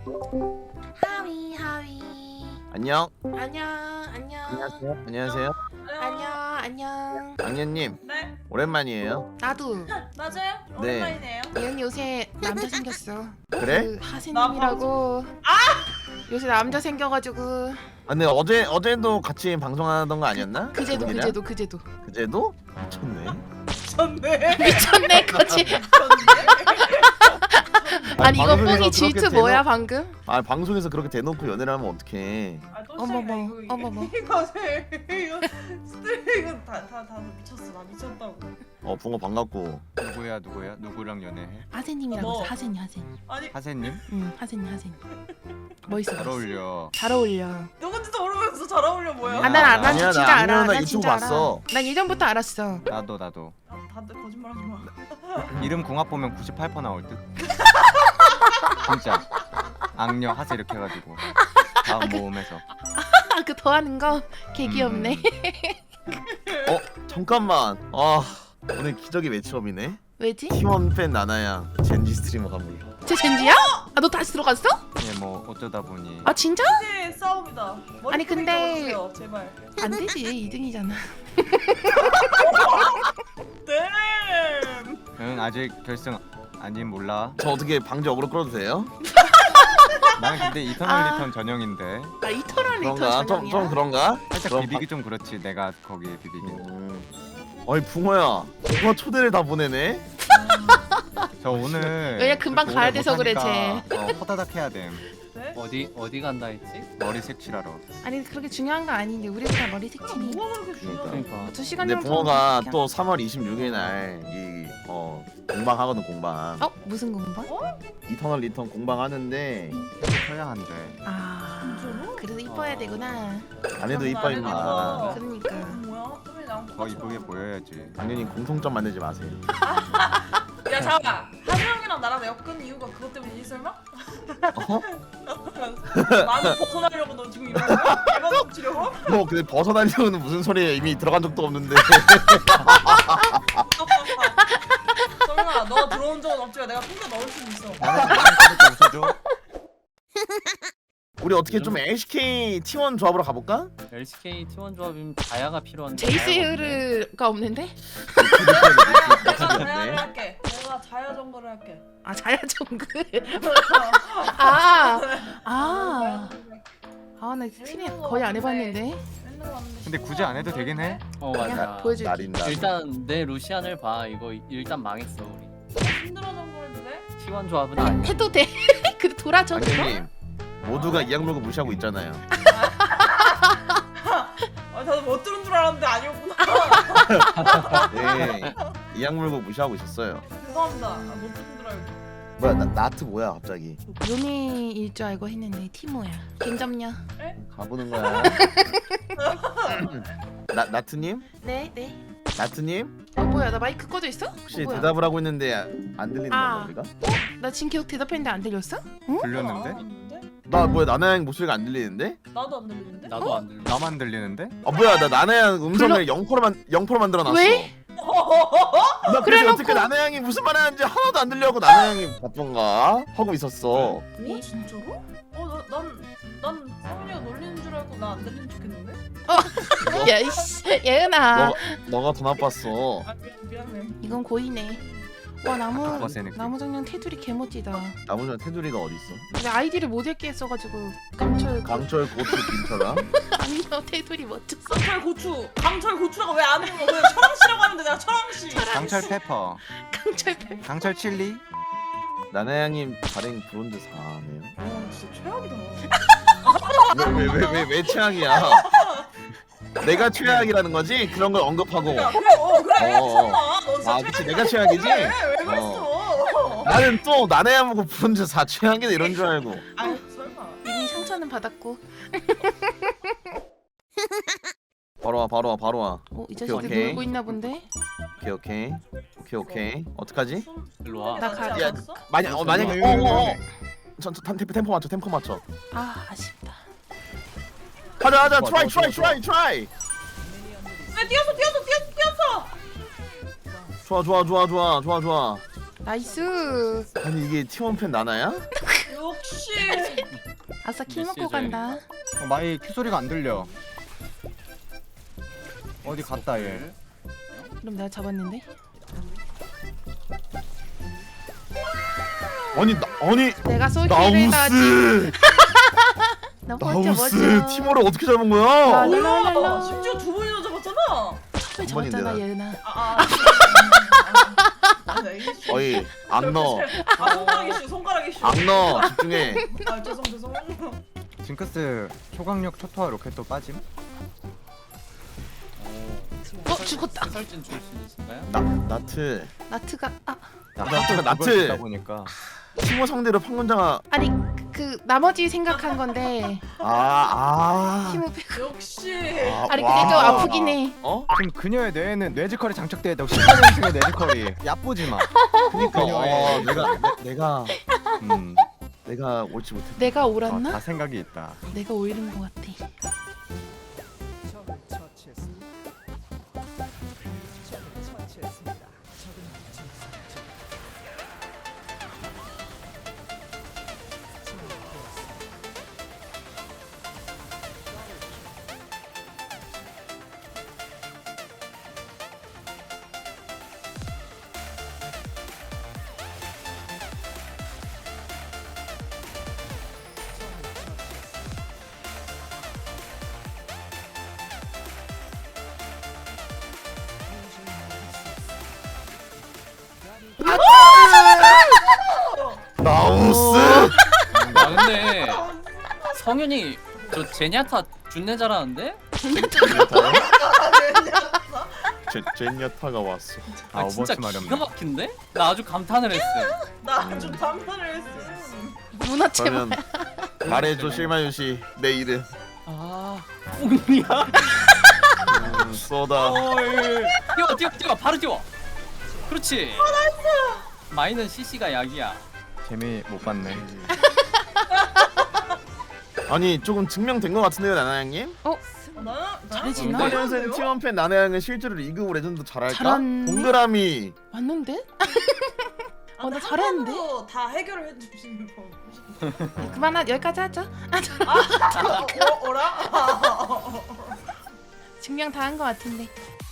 하위 하위. 안녕. 안녕. 안녕하세요. 안녕하세요. 안녕. 악녀님 네, 나도. 오랜만이에요. 맞아요. 네. 오랜만이네요. 얘는 요새 남자 생겼어. 그래? 그 하세님이라고. 요새 남자 생겨가지고. 아, 근데 어제도 같이 방송하던 거 아니었나? 그제도. 그제도? 미쳤네. 미쳤네. 미쳤네 거지. 아니 이거 방송에서 뽕이 질투 그렇게 뭐야 방금? 아 방송에서 그렇게 대놓고 연애를 하면 어떡해. 어머머, 어머머. 이거 이거 다 미쳤어. 나 미쳤다고. 붕어 반갑고. 누구야? 누구랑 연애해? 하세님이라고 뭐. 했어. 하세님. 아니 하세님? 응 하세님. 멋있어. 잘 어울려. 잘 어울려. 누군지도 모르면서 잘 어울려 뭐야? 아 난 아니야, 진짜 나 알아. 악녀나 난 유튜브 진짜 봤어. 알아. 난 예전부터 알았어. 나도. 다들 거짓말하지 마. 이름 궁합 보면 98% 나올 듯. 진짜. 악녀 하세 이렇게 해가지고 다음 모음에서. 그 더하는 거 개 귀엽네. 잠깐만. 오늘 기적의 매치업이네. 왜지? T1 팬 나나양 젠지 스트리머가 몰라. 쟤 젠지야? 아 너 다시 들어갔어? 예, 뭐 어쩌다 보니. 아 진짜? 이제 싸움이다. 머리 아니, 근데- 끄덕여주세요, 제발. 안 되지 2등이잖아. 네. 응, 아직 결승 아닌 몰라. 저 어떻게 방지 어그로 끌어도 돼요? 나는 근데 이터널 아. 리턴 전형인데 아 이터널 리턴 그런가? 전형이야? 좀 그런가? 살짝 그럼 비비기 좀 그렇지. 내가 거기에 비비기. 어이 붕어야. 붕어 초대를 다 보내네. 저 오늘 왜냐, 금방 그렇게 가야 오래 돼서 그래, 못하니까, 호다닥 해야 됨. 네? 어디 간다 했지? 머리 색칠하러. 아니 그렇게 중요한 거 아닌데 우리도 다 머리 색칠이. 뭐가 그렇게 중요해? 그러니까. 2시간 근데 정도. 붕어가 또 3월 26일 날이 공방 하거든 공방. 무슨 공방? 이터널 리턴 공방 하는데 쳐야 한대. 아 진짜로? 그래도 이뻐야 되구나. 안 해도 이뻐 임마. 그러니까. 뭐야? 좀 나랑 더 이쁘게 보여야지. 당연히 공통점 만들지 마세요. 야 잠깐만. 하정이랑 나랑 엮은 이유가 그것 때문이지 설마? 나는 벗어나려고 너 지금 이러는 거야? 개만 덮치려고? 근데 벗어나려는 무슨 소리예요? 이미 들어간 적도 없는데. 설마 너 들어온 적은 없지만 내가 통계 넣을 수 있어. 나는 좀 웃어줘. 우리 어떻게 좀 LCK T1 조합으로 가볼까? LCK T1 조합이면 자야가 필요한데 제이스가 없는데? 내가 자야를 할게. 내가 자야 정글을 할게. 아 자야 정글. 아나 스트림 거의 안 해봤는데. 근데 굳이 안 해도 되긴 해. 그냥 맞아. 보여줄게. 날인다. 일단 내 루시안을 봐. 이거 일단 망했어 우리. 힘들어 정글인데? T1 조합은 아니야. 해도 돼. 그래 돌아줘. 당연님 모두가 이악 물고 무시하고 있잖아요. 아 다들 못 들은 줄 알았는데 아니었구나. 네, 이악 물고 무시하고 있었어요. 죄송합니다. 못 들은 줄 알고. 뭐야 나트 뭐야 갑자기? 요미일 줄 알고 했는데 티모야. 갱점녀. 가보는 거야. 나트님? 네. 나트님? 뭐야 나 마이크 꺼져 있어? 혹시 뭐야? 대답을 하고 있는데 안 들리는 아. 건가 우리가? 나 지금 계속 대답했는데 안 들렸어? 들렸는데? 나 뭐야 나나양 목소리가 안 들리는데? 나도 안 들리는데? 나도 안 들려. 나만 들리는데? 뭐야 나 나나양 음성을 0%만 만들어놨어. 왜? 나 그래서 그래놓고- 어떻게 나나양이 무슨 말 하는지 하나도 안 들려고 나나양이 바쁜가 하고 있었어. 어 진짜로? 난 성훈이가 놀리는 줄 알고 나 안 들리는 척했는데? 야이씨 예은아. 너가 더 나빴어. 아 미안해. 이건 고이네. 와 버스 느낌. 나무 정령 테두리 개멋지다. 나머지 테두리가 어디 있어? 근데 아이디를 못 읽게 했어가지고 깜철 강철 고추 김철아? 아니요 테두리 멋졌어. 강철 고추라고 왜 안 읽어? 왜 철왕씨라고 하는데 내가 철왕씨. 강철 페퍼, 강철 강철 칠리. 나나양님 발행 브론즈 4네요. 와 진짜 최악이다. 왜 최악이야? 내가 최악이라는 거지? 그런 걸 언급하고. 야, 그래 어. 설마 너 진짜 그치 내가 최악이지? 왜 그랬어? 나는 또 나나양 보고 브론즈 4 최악이다 이런 줄 알고. 아 설마. 이미 상처는 받았고. 바로 와. 이 자식들 오케이. 놀고 있나 본데? 오케이. 어떡하지? 일로 와. 나 가- 야, 만약에 템포 맞춰. 아 아쉽다. 하자 좋아, 트라이. 왜 뛰었어. 좋아. 나이스. 아니 이게 T1 팬 나나야? 역시 아싸 킬 먹고 메시지 간다. 마이 큐 소리가 안 들려. 어디 갔다 얘. 그럼 내가 잡았는데. 아니 내가 솔킬을 하지. 나우스 나 멋져 나우스 멋져. 티모를 어떻게 잡은 거야? 뭐야? 심지어 두 번이나 잡았잖아. 왜 잡았잖아 번인데, 예은아. 어이 안 넣어 손가락 이슈 손가락 이슈. 안 넣어 집중해. 아 죄송. 징크스 초강력 초토화 로켓도 빠짐. 죽었다. 해설진 출신이신가요? 나트 나트가 나트. 다 보니까 티모 상대로 판권자가 아니 그 나머지 생각한 건데 아 팀을 빼고. 역시. 아니 근데 좀 아프긴 해. 어? 지금 그녀의 뇌에는 뇌지컬이 장착되어 있다고 18년생의 뇌지컬이 얕보지 마. 그니까 그녀의 내가 옳지 못했다. 내가 옳았나? 다 생각이 있다. 내가 오이른 것 같아. 나우스 아 근데 성윤이 저 제냐타 준내 잘하는데? 제니아타가 왔어. 아 진짜 오버워치 기가 마렵네. 막힌데? 나 아주 감탄을 했어. 나좀 단판을 했어. 문화체 그러면 말해줘 실마유 씨내 이름. 아 뽕이야? 쏘다. 뛰어 바로 뛰어. 그렇지. 마이는 CC가 약이야. 재미 못 봤네. 아니 조금 증명된 것 같은데요 나나양님? 잘해지나? 네. 8년생 T1팬 나나양은 실제로 리그 오브 레전드 잘할까? 잘하네. 동그라미. 맞는데? 나 잘했는데? 다 해결을 해주시는 거. 그만 여기까지 하죠. 어라? 증명 다 한 것 같은데.